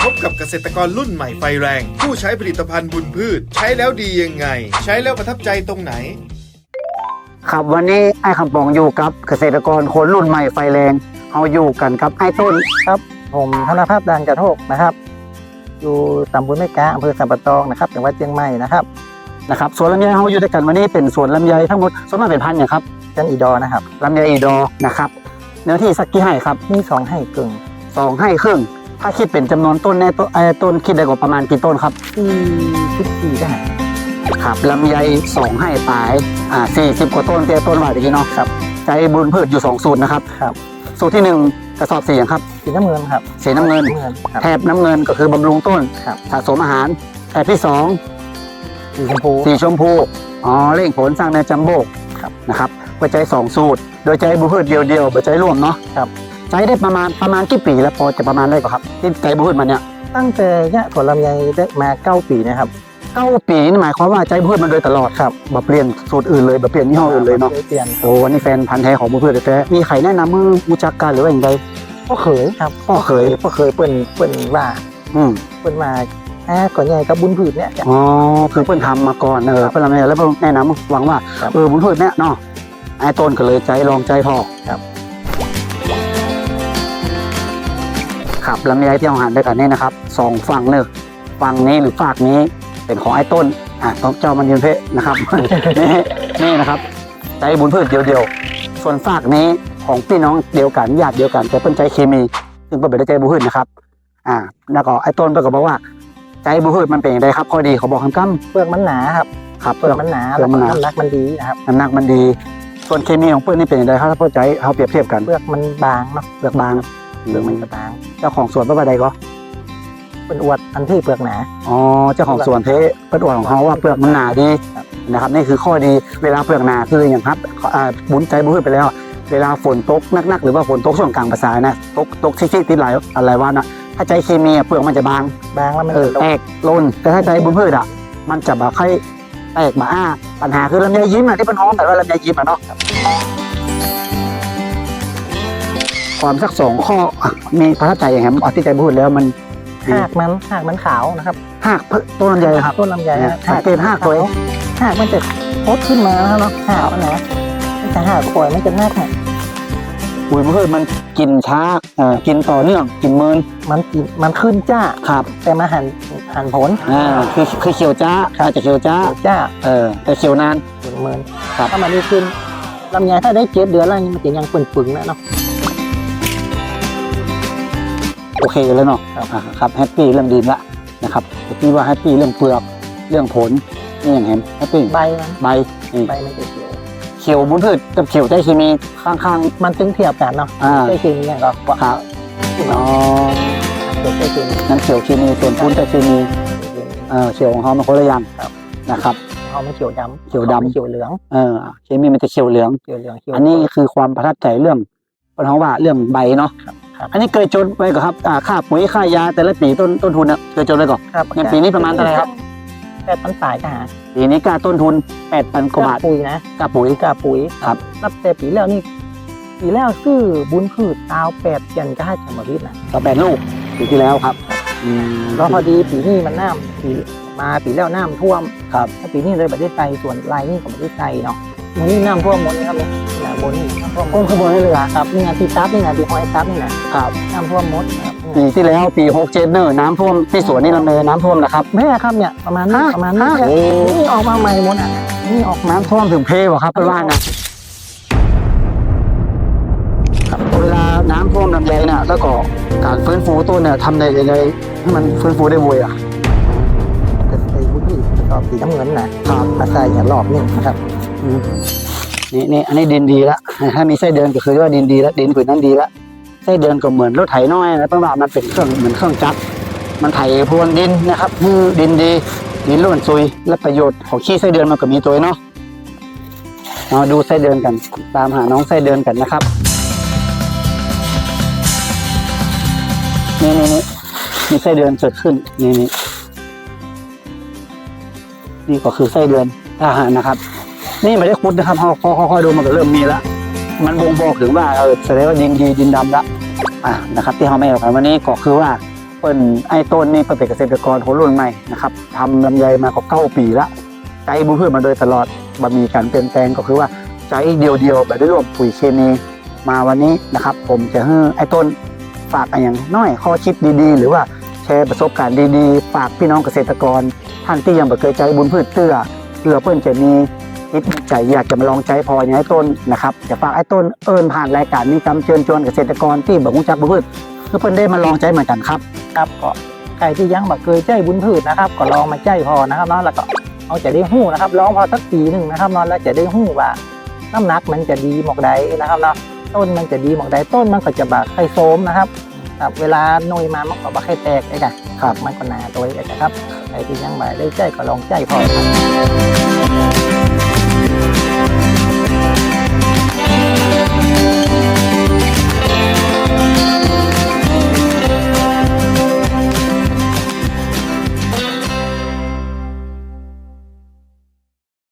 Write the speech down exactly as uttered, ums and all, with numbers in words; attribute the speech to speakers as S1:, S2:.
S1: พบกับเกษตรกรรุ่นใหม่ไฟแรงผู้ใช้ผลิตภัณฑ์บุญพืชใช้แล้วดียังไงใช้แล้วประทับใจตรงไหน
S2: ครับวันนี้ไอ้คำปองอยู่กับเกษตรกรคนรุ่นใหม่ไฟแรงเอาอยู่กันครับไอ้ต้น
S3: ครับผมธนภาพดานกระโทกนะครับอยู่ตำบลแม่กาอำเภอสัมปะตองนะครับจังหวัดเชียงใหม่นะครับ
S2: นะครับสวนลำไยเขาอยู่ด้วยกันวันนี้เป็นสวนลำไยทั้งหมดส่วนมากเป็นพันธุ์อย่างครับ
S3: จันอีดอนะครับ
S2: ลำไยอีดอนะครับเนื้อที่สักกี่ไร่ครับ
S3: มีสองไร่กึ่ง
S2: สองไร่ครึ่งถ้าคิดเป็นจำนวนต้นในต้นไอ้ต้นคิดได้กว่าประมาณกี่ต้นครับ
S3: สี่สิบสี่ได้
S2: ครับลำไยสองไร่ปลายอ่าสี่สิบกว่าต้นเตี้ยต้นว่าอย่างนี้เนาะ
S3: ครับ
S2: ใจบุญพืชอยู่สองสูตรนะครับ
S3: ครับ
S2: สูตรที่หนึ่งกระสอบสีอย่างครับ
S3: สีน้ำเงินครับ
S2: สีน้ำเงินแถบน้ำเงินก็คือบำรุงต้นสะสมอาหารแถบที่สอง
S3: สีชมพู
S2: สีชมพูอ๋อเร่งผลสร้างในจัมโบ้นะครับปัจจัยสองสูตรโดยใจบุญพืชเดียวๆปัจจัยร่วมเนาะ
S3: ครับ
S2: ใจได้ประมาณประมาณกี่ปีแล้วพอจะประมาณได้ก่อนครับที่ใจบุญพืชมันเนี่ย
S3: ตั้งแต่ยะผลลำไยได้มาเก้าปีนะครับ
S2: เก้าปีนี่หมายความว่าใจบุญพืชมันโดยตลอดครับแบบเปลี่ยนสูตรอื่นเลยแบบเปลี่ยนยี่ห้ออื่นเลยเนาะ
S3: เปลี่ยน
S2: โอ้วันนี้แฟนพันธุ์แท้ของบุญพืชแท้มีใครแนะนำมือรู้จักกันหรือว่าอย่างไร
S3: พ่อเขยครับ
S2: พ่อเขย
S3: พ่อเขยเปิ้นเปิ้นว่า
S2: อืม
S3: เปิ้นมาอ่าก่อนใหญ่กับบุญพืชเนี่ย
S2: อ๋อคือเปิ้นทำมาก่อนเออเปิ้นทำแล้วเปิ้นแนะนำหวังว่าเออบุญพืชเนี่ยเนาะไอ้ต้นก็เลยใจลองใจพอ
S3: ครับ
S2: ครับลำไยที่เราหันด้วยกันนี่นะครับสองฝั่งเลยฝั่งนี้หรือฝากนี้เป็นของไอ้ต้นอ่ะต้องเจ้ามันยืนเพะนะครับ นี่นี่นะครับใจบุญพืชเดียวๆส่วนฝากนี้ของพี่น้องเดียวกันญาติเดียวกันแต่เป็นใจเคมีซึ่งเป็นใจบุญพืชนะครับอ่าแล้วก็ไอ้ต้นก็บอกว่าใจบุญพืชมันเป็นอย่างไรครับข้อดีเขาบอกคำกั้ม
S3: เปลือกมันหนาครับ
S2: ครับ
S3: เปลือกมันหนาแล้วน้ำหนักมันดีนะครับ
S2: น้ำหนักมันดีส่วนเคมีของเปลือกนี่เป็นอย่างไรครับถ้าเข้าใจเขาเปรียบเทียบกัน
S3: เปลือกมันบางเนาะ
S2: เปลือกบาง
S3: เปลือกมันบาง
S2: เจ้าของสวนเป็นอะไรก็
S3: เป็นอวดอันที่เปลือกหนา
S2: อ๋อเจ้าของสวนเทเป็นอวดของเขาว่าเปลือกมันหนาดีนะครับนี่คือข้อดีเวลาเปลือกหนาคืออย่างครับบุญใจบุญพืชไปแล้วเวลาฝนตกนักๆหรือว่าฝนตกช่วงกลางภาษานะตกตกชิคๆติดไหลอะไรวะนะถ้าใจเคมีเปลือกมันจะบาง
S3: บางแล้วมัน
S2: แตกล้นแต่ถ้าใจบุญพืชอ่ะมันจะแบบค่อยแตกมาอ้าปัญหาคือลำไยยิ้มอ่ะที่เป็นห้องแต่ว่าลำไยยิ้มอ่ะเนาะความสักสองข้อมีประทับใจอย่างไรอธิใจพูดแล้วมัน
S3: หากมันหากมันขาวนะครับ
S2: หากต้นลำไยครับ
S3: ต้นลำไย
S2: หากเป็นหากตัว
S3: หากมันจะพดขึ้นมาแล้วเนาะหากมันนะแต่หากปล่อยมันจะหากเนี่ย
S2: ปุ๋ยบุญพืชมันกินช้าอ่ากินต่อเนื่องกินเมิน
S3: มันมันขึ้นจ้า
S2: ครับ
S3: แต่มาหันหันผล
S2: อ่าคือคือเขียวจ้าอาจจะเขียวจ้า
S3: จ้า
S2: เออแต่เขียวนาน
S3: เมินครับถ้ามันได้ขึ้นลำไยถ้าได้เจ็ดเดือนแล้วมันจะยังปึ่งๆนะเนาะ
S2: โอเคเลยเนาะครับแฮปปี้เรื่องดีละนะครับที่ว่าแฮปปี้เรื่องเปลือกเรื่องผลนี่อย่างเห็นแฮปปี้
S3: ใบ
S2: ใบ
S3: ใบมันจะเขียว
S2: เขียวบุญพืชกับเขียวใจเคมีข้าง
S3: ๆมันตึงเทียบกันเนาะใจเคมีเนี่ยก็
S2: ครับอ๋อ
S3: ใจเคมี
S2: นั้นเขียวเคมีส่วนพุ้นใจเคมีเออเขียวของเขามันคนละอย่างนะครับ
S3: เขาไม่เขียวดำ
S2: เขียวดำ
S3: เขียวเหลือง
S2: เออเคมีมันจะเขียวเหลือง
S3: เขียวเหลือง
S2: อันนี้คือความประทับใจเรื่องเพราะว่าเรื่องใบเนาะอันนี้เคยจดไว้ก่อนครับค่าปุ๋ยค่ายาแต่ละปีต้นต้นทุนเนี่ยเคยจดไว้ก่อนอย่างปีนี้ประมาณเท่าไหร่ครับ
S3: แปดพันปลายค่ะ
S2: ปีนี้ค่าต้นทุนแปดพันกว่าบาท
S3: ปุ๋ยนะ
S2: ค่าปุ๋ย
S3: ค่าปุ๋ย
S2: ครับ
S3: นับแต่ปีแล้วนี่ปีแล้วซื้อบุญพืชตาวแปดยันก็ให้จำมาพิษนะ
S2: ต่อแปดลูกปีที่แล้วครับ
S3: ก็พอดีปีนี้มันน้ำปีมาปีแล้วน้ำท่วม
S2: ครับ
S3: ถ้าปีนี้เลยประเทศไทยส่วนลายนี่ของประเทศไทยเนาะมันนี่น้ำท่วมหมดเลยครับเนี่ยบนนี่น้ำท่วม
S2: ก้นขบวนให้เลย
S3: ครับนี่ไงปีซับนี่ไงปีหอยซับนี่นะครับน้ำท่วมหมด
S2: ปีที่แล้วปีหกเจ็ดเนอร์น้ำท่วมที่สวนนี่ลำเลยน้ำท่วมนะครับ
S3: แม่ครับเนี่ยประมาณนี้ประมาณนี้นี่ออกมาใหม่หมดอ่ะนี่ออก
S2: น้ำท่วมถึงเพวะครับเป็นว่านะเวลาน้ำท่วมลำไยเนี่ยแล้วก็การฟื้นฟูต้นเนี่ยทำในยังไงให้มันฟื้นฟูได้บ่อยอ่ะ
S3: ไอ้วุ้นที่ตอบสีน้ำเงินนะครับมาใส่อย่าหลอกนี่นะครับ
S2: นี่นี่อันนี้ดินดีแล้วถ้ามีไส้เดือนก็คือว่าดินดีแล้วดินผืนนั้นดีแล้วไส้เดือนก็เหมือนรถไถน้อยนะเพราะว่ามันเป็นเครื่องเหมือนเครื่องจักรมันไถพรวนดินนะครับคือดินดีดินล้วนซุยและประโยชน์ของขี้ไส้เดือนมันก็มีตัวเนาะมาดูไส้เดือนกันตามหาน้องไส้เดือนกันนะครับนี่นี่นี่มีไส้เดือนเกิดขึ้นนี่นี่นี่ก็คือไส้เดือนอาหารนะครับนี่ไม่ได้คุดนะครับพอค่อยๆดูมันก็เริ่มมีแล้วมันบ่งบอกถึงว่าเออแสดงว่าดินดีดินดำแล้วอ่านะครับที่เขาไม่เอากันวันนี้ก็คือว่าเปิ้นไอ้ต้นนี่เปิ้นเป็นเกษตรกรคนรุ่นใหม่นะครับทำลำไยมากว่าเก้าปีละใจบุญพืชมาโดยตลอดบ่มีการเปลี่ยนแปลงก็คือว่าใจเดียวๆแบบได้รวมปุ๋ยเคมีมาวันนี้นะครับผมจะให้ไอ้ต้นฝากอะไรอย่างน้อยข้อคิดดีๆหรือว่าแชร์ประสบการณ์ดีๆฝากพี่น้องเกษตรกรท่านที่ยังไม่เคยใจบุญพืชเตื้อเพื่อเพื่อนจะมีคิดใจอยากจะมาลองใจพออย่างไอ้ต้นนะครับจะฝากไอ้ต้นเอิญผ่านรายการนี้กำเชิญชวนเกษตรกรที่บ่รู้จักบุญพืชเพื่อเพื่อนได้มาลองใจเหมือนกันครับ
S3: ครับก็ใครที่ยังบ่เคยใจบุญพืชนะครับก็ลองมาใจพอนะครับเนาะแล้วก็เอาจะได้หู้นะครับลองพอสักปีหนึ่งนะครับเนาะแล้วจะได้หู้ว่าน้ำหนักมันจะดีหมอกใดนะครับเนาะต้นมันจะดีหมอกใดต้นมันก็จะบาไข่โซมนะครับครับเวลาหน่วยมามันก็บาไข่แตกไอ้กันครับมันก็หนาตัวไอ้กันครับใครที่ยังบ่ได้ใจก็ลองใจพอครับ